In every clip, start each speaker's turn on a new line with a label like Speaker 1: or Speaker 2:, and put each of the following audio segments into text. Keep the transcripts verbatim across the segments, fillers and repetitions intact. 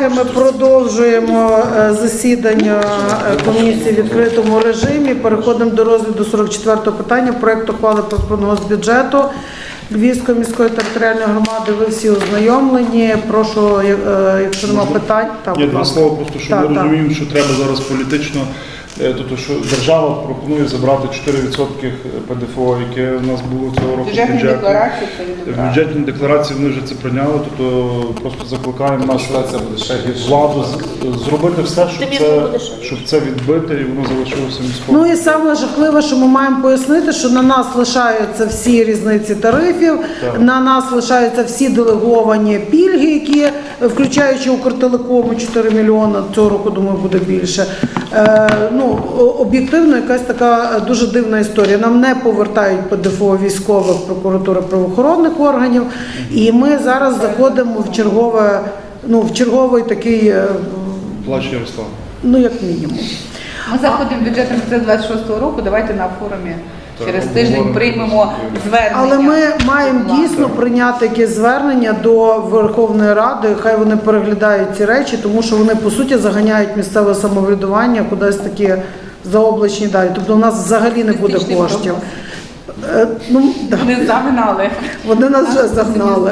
Speaker 1: Колеги, ми продовжуємо е, засідання е, комісії в відкритому режимі. Переходимо до розгляду сорок четвертого питання проекту ухвали про прогноз бюджету Львівської міської територіальної громади. Ви всі ознайомлені. Прошу, е, якщо немає питань, так,
Speaker 2: Є два слова, просто що
Speaker 1: Так,
Speaker 2: ми
Speaker 1: так.
Speaker 2: розуміємо, що треба зараз політично, е, тобто, що держава пропонує забрати чотири відсотки ПДФО, яке у нас було цього року в
Speaker 3: Бюджетні
Speaker 2: бюджеті.
Speaker 3: декларації це
Speaker 2: В
Speaker 3: відображено.
Speaker 2: бюджетній декларації вони вже це прийняли, тобто просто закликаємо нашу владу з- зробити все, щоб це, щоб це відбити і воно залишилося міською.
Speaker 1: Ну і саме жахливе, що ми маємо пояснити, що на нас лишаються всі різниці тарифів,
Speaker 2: Так.
Speaker 1: на нас лишаються всі делеговані пільги, які, включаючи Укртелекому чотири мільйони, цього року, думаю, буде більше. Е, ну, о- об'єктивно, якась така дуже дивна історія. Нам не повертають ПДФО військових, прокуратури, правоохоронних органів, і ми зараз заходимо в чергове, ну, в черговий такий, е,
Speaker 2: Плач Ярослав.
Speaker 1: ну, як мінімум.
Speaker 3: Ми заходимо в бюджетний процес двадцять шостого року, давайте на форумі
Speaker 2: Так,
Speaker 3: через
Speaker 2: обговоримо.
Speaker 3: тиждень приймемо звернення.
Speaker 1: Але ми маємо
Speaker 3: Влади.
Speaker 1: дійсно прийняти якесь звернення до Верховної Ради, хай вони переглядають ці речі, тому що вони, по суті, заганяють місцеве самоврядування кудись такі заоблачні далі. Тобто у нас взагалі не буде
Speaker 3: Містичний
Speaker 1: коштів. Е, Ну, да.
Speaker 3: Вони загнали.
Speaker 1: Вони нас вже загнали.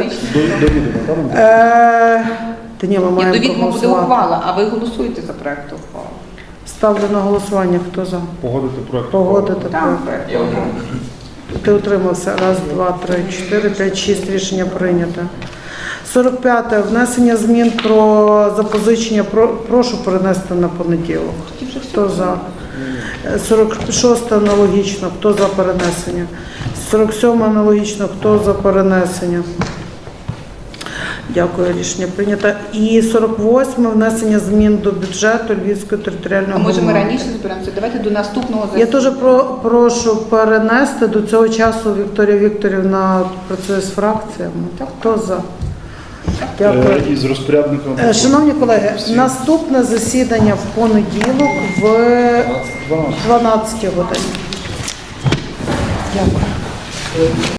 Speaker 1: Е, Та ні, ми
Speaker 3: Ні,
Speaker 1: маємо
Speaker 3: до відома буде
Speaker 1: проголосувати.
Speaker 3: ухвала, а ви голосуєте за проект ухвали.
Speaker 1: Ставлю на голосування. Хто за?
Speaker 2: Погодити проект.
Speaker 1: Погодити
Speaker 3: Там
Speaker 1: проект.
Speaker 3: проект.
Speaker 1: Ти утримався. Раз, два, три, чотири, п'ять, шість. Рішення прийнято. сорок п'яте. Внесення змін про запозичення. Про- Прошу перенести на понеділок. Хто за? сорок шосте аналогічно. Хто за перенесення? сорок сьоме аналогічно. Хто за перенесення? Дякую, рішення прийнято. І сорок восьме. Внесення змін до бюджету Львівської територіальної
Speaker 3: А може ми
Speaker 1: громади.
Speaker 3: раніше зберемося? Давайте до наступного
Speaker 1: Я теж про, прошу перенести до цього часу. Вікторія Вікторівна працює з фракціями. Хто за? Дякую.
Speaker 2: Е, І з розпорядником.
Speaker 1: Е, Шановні колеги,
Speaker 2: Всі.
Speaker 1: наступне засідання в понеділок в
Speaker 2: дванадцять.
Speaker 1: дванадцятій годині. Дякую.